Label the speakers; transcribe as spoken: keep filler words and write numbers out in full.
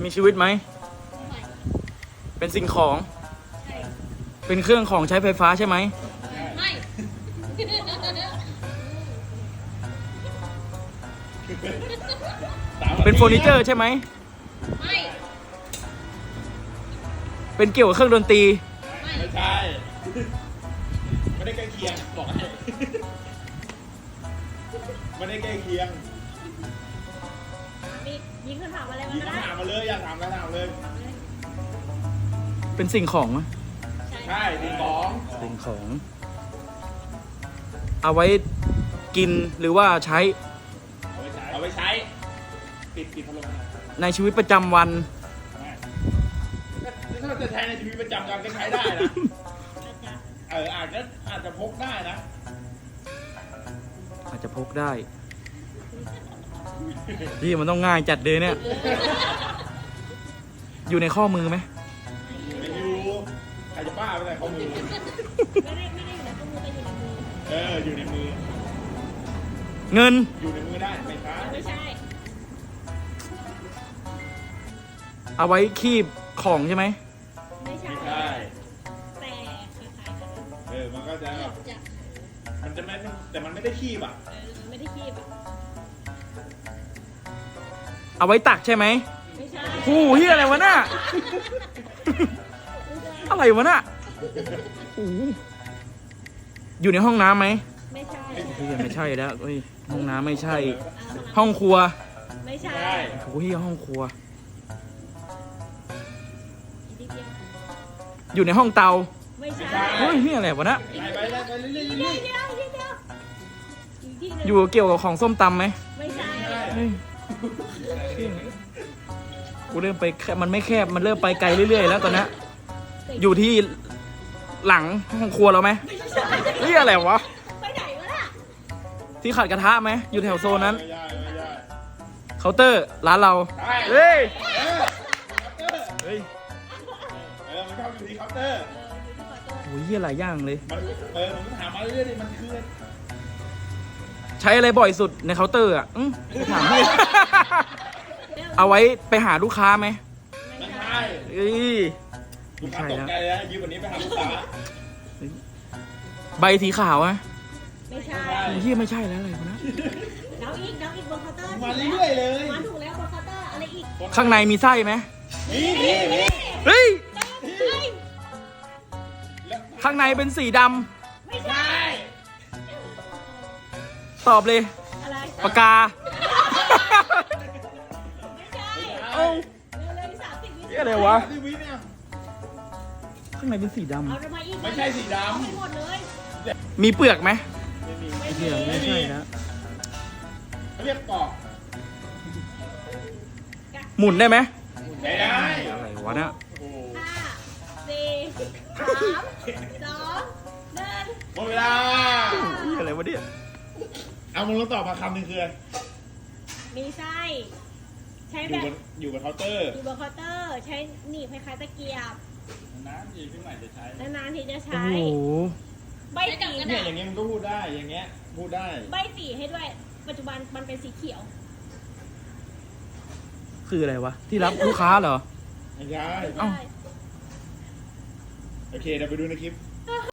Speaker 1: มีชีวิตไหม
Speaker 2: ไม่
Speaker 1: เป็นสิ่งของ
Speaker 2: ใช่
Speaker 1: เป็นเครื่องของใช้ไฟฟ้าใช่ไหม
Speaker 2: ไม่
Speaker 1: เป็นเฟอร์นิเจอร์ใช่ไหม
Speaker 2: ไม่
Speaker 1: เป็นเกี่ยวกับเครื่องดนตรี
Speaker 2: ไม่
Speaker 3: ไม่ใช่ ไม่ได้ใกล้เคียงบอกให้ไม่ได้ใกล้เคียง
Speaker 2: มียิงคำถามอะไรมา
Speaker 3: ยิง
Speaker 2: ก็ได้
Speaker 3: คำถามมาเลยอยากถามอะไรถามเลย
Speaker 1: เป็นสิ่งของไหม
Speaker 3: ใช่ดีของ
Speaker 1: สิ่งของ เอาไว้กินหรือว่าใช้
Speaker 3: เอาไว้ใช้เอาไว้ใช้ ปิดปิดพัดลมนะ
Speaker 1: ในชีวิตประจำวัน
Speaker 3: ถ้าเราจะใช้ในชีวิตประจำวันก็ใช้ได้นะ เอออาจจะอาจจะพกได้นะ
Speaker 1: อาจจะพกได้พี่มันต้องง่ายจัดเลยเนี่ย อยู่ในข้อมือไหม
Speaker 3: ไม่อยู่ใครจะบ้าไปไหนข้อมือ
Speaker 2: ไม่ได้ไม่ได้อยู่ในข้อมือแต่อยู่ในมือ
Speaker 3: เอออยู่ในมือ
Speaker 1: เงิน
Speaker 3: อยู่ในมือได้ไม่ใช่
Speaker 2: ไม่ใช่
Speaker 1: เอาไว้คีบของใช่ไหม
Speaker 2: ไม่ใช่
Speaker 3: ไม่ใช่
Speaker 2: แต่คล้ายๆกัน
Speaker 3: เออมันก็จะแบบ
Speaker 2: จะ
Speaker 3: มันจะไม่แต่มันไม่ได้ขี้อ่ะ
Speaker 2: เออไม่ได้คีบอ่ะ
Speaker 1: เอาไว้ตักใช่ไหม
Speaker 2: ไม่ใช่
Speaker 1: โอ้โหเฮียอะไรวะน่ะ อะไรวะน่ะโอ้โหอยู่ในห้องน้ำไหม
Speaker 2: ไม่ใช่
Speaker 1: เฮียไม่ใช่แล้วเฮ้ยห้องน้ำไม่ใช่ ห้องครัว
Speaker 2: ไม่ใช่
Speaker 3: ใช่
Speaker 1: โอ้โหเฮียห้องครัว
Speaker 2: อีกนิดเดียว
Speaker 1: อยู่ในห้องเตา
Speaker 2: ไม่ใช่
Speaker 1: เฮ้ยเฮียอะไรวะน่ะ
Speaker 3: ไปไปเลยไปเรื่อยๆ
Speaker 2: อีก
Speaker 3: เรื่
Speaker 2: นิ
Speaker 3: อย
Speaker 2: ดเดียวอีกนิดเดียวอีกทีหนึง
Speaker 1: อยู่เกี่ยวกับของส้มตำไหม
Speaker 2: ไม่ใช่
Speaker 1: เฮ้ยกูเริ่มไปแคบมันไม่แคบมันเริ่มไปไกลเรื่อยๆแล้วตอนนี้อยู่ที่หลังห้องครัวเราไหม
Speaker 2: ไม่ใช่
Speaker 1: เฮียอะไรวะ
Speaker 2: ไปไหนวะน่ะ
Speaker 1: ที่ขัดกระทะไหมอยู่แถวโซนนั้น
Speaker 3: ไม่ได้ไม่ได้
Speaker 1: เคาน์เตอร์ร้านเรา
Speaker 3: ใช่
Speaker 1: เฮ้ย
Speaker 3: เออเคาน์เตอร์
Speaker 1: เฮ้ย
Speaker 3: เออมันชอบอยู่ที่เคาน์เตอร์
Speaker 2: เอออยู่ที่ขอโทษ
Speaker 1: โอ้ยเฮียหลายอย่างเลย
Speaker 3: มันเออผมก็ถามมาเรื่อยๆดิมันคือ
Speaker 1: ใช้อะไรบ่อยสุดในเคาน์เตอร์อ่ะอื้อถามพี่ เอาไว้ไปหาลูกค้าไหม
Speaker 2: ไม่
Speaker 3: ไม่
Speaker 2: ใช่
Speaker 3: ใช่
Speaker 1: เอ้ย
Speaker 3: ลูกค้าตกใจเลยนะยืมวันนี้ไปหาลูกค้า
Speaker 1: ใบสีขาวอะ
Speaker 2: ไม่ใช่
Speaker 3: ไม่ใช่
Speaker 1: โอ้ยเฮียไม่ใช่แล้วอะไรวะนะ
Speaker 2: น้องอีกน้องอีกบนเคาน์เตอร์
Speaker 3: มาเรื่อยๆเลย
Speaker 2: มาถูกแล้วบนเคาน์เตอร์อะไรอีก
Speaker 1: ข้างในมีไส้ไหม
Speaker 3: นี่นี่นี่
Speaker 1: เฮ้ย
Speaker 2: เฮ้ย
Speaker 3: แล้ว
Speaker 1: ข้างในเป็นสีด
Speaker 2: ไม่ใช่
Speaker 3: ใช่
Speaker 1: ำตอบเลย
Speaker 2: อะไร
Speaker 1: ปากกา
Speaker 2: ไม่ใช่
Speaker 1: เอ้า
Speaker 2: เร็วๆสามสิบวิ
Speaker 1: เฮียอะไรวะ
Speaker 3: ที่วิเนี่ย
Speaker 1: ข้างในเป็นสีด
Speaker 2: เอาทำไมอีก
Speaker 3: ไม่ใช่สีดำ
Speaker 2: เอาให้หมดเลย
Speaker 1: ำมีเปลือกไหม
Speaker 3: ไม่มี
Speaker 2: ไม่
Speaker 1: เฮียไม่ใช่นะ
Speaker 3: เขาเรียกปอก
Speaker 1: หมุนได้ไหม
Speaker 3: ไม่ได้
Speaker 1: อะไรวะเนี่ย
Speaker 3: โอ้โห
Speaker 2: ห้าสี่สามสองหนึ่ง
Speaker 3: หมดเวลา
Speaker 1: เฮียอะไรวะเนี่ย
Speaker 3: เอามึงต้องตอบมาคำหนึ่งคืออะไร
Speaker 2: มีไส้ใช้
Speaker 3: อ
Speaker 2: แบ
Speaker 3: ยู่
Speaker 2: บบ
Speaker 3: นอยู่บนเคาน์เตอร์
Speaker 2: อยู่บนเคาน์เตอร์ ใช้หนีบคล้ายๆตะเกียบ
Speaker 3: น้ำดีขึ้นใหม่จะใช้
Speaker 2: นานๆทีจะ
Speaker 1: โอ้
Speaker 2: ใช้
Speaker 1: โห
Speaker 2: ใบสี
Speaker 3: เนี่ยอย่างเงี้ยมันก็พูดได้อย่างเงี้ยพูดได้
Speaker 2: ใบสีให้ด้วย ปัจจุบันมันเป็นสีเขียว
Speaker 1: คืออะไรวะ ที่รับลูกค้าเหรอ
Speaker 3: ไม่ใช่
Speaker 1: เอ้า
Speaker 2: ใช่
Speaker 3: โอเคเดี๋ยวไปดูในคลิป